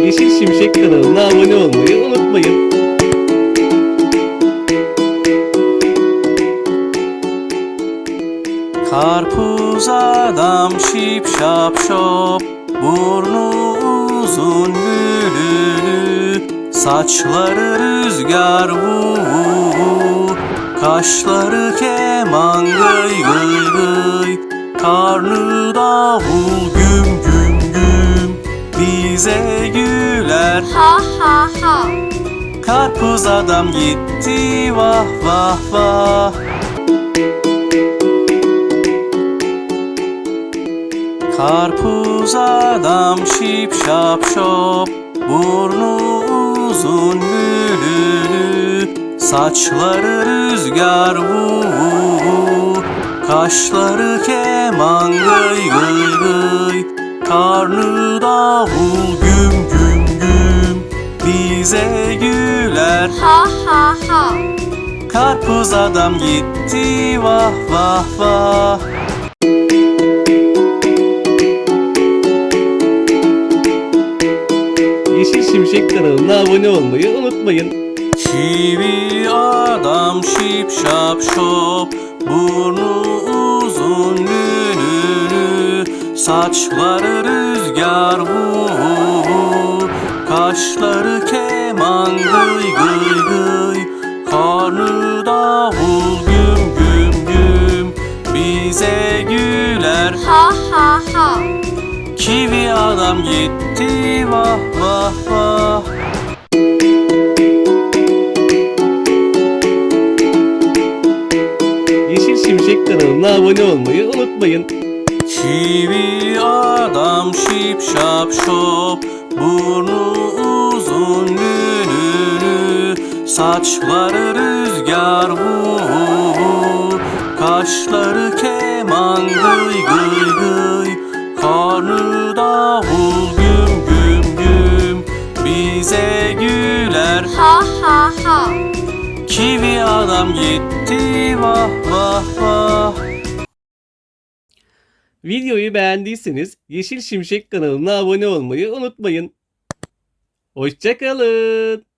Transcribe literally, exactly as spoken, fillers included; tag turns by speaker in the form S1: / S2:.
S1: Yeşil Şimşek kanalına abone olmayı unutmayın.
S2: Karpuz adam şip şap şop, burnu uzun bülülü, saçları rüzgar vu vu vu, kaşları keman gıy gıy gıy, karnı davul güm güm güm, bize güler
S3: Ha ha ha.
S2: Karpuz adam gitti vah vah vah. Karpuz adam şip şap şop, burnu uzun bülülü, saçları rüzgar vu vu vu, kaşları keman gıy gıy gıy, karnı davul güm güm güm, bize güler
S3: Ha ha ha.
S2: Karpuz adam gitti vah vah vah.
S1: Yeşil Şimşek kanalına abone olmayı unutmayın.
S2: Çivi adam şip şap şop, burnu uzun lülülü, saçları rüzgar vu vu vu, kaşları keman gıy gıy gıy, karnı davul güm güm güm, bize güler
S3: Ha ha ha.
S2: Kivi adam gitti vah vah vah.
S1: Yeşil Şimşek kanalına abone olmayı unutmayın.
S2: Çivi adam şip şap şop, burnu uzun lülülü, saçları rüzgar vu vu vu, kaşları keman gıy gıy gıy, karnı davul güm güm güm, bize güler
S3: Ha ha ha.
S2: Kivi adam gitti vah vah vah.
S1: Videoyu beğendiyseniz Yeşil Şimşek kanalına abone olmayı unutmayın. Hoşça kalın.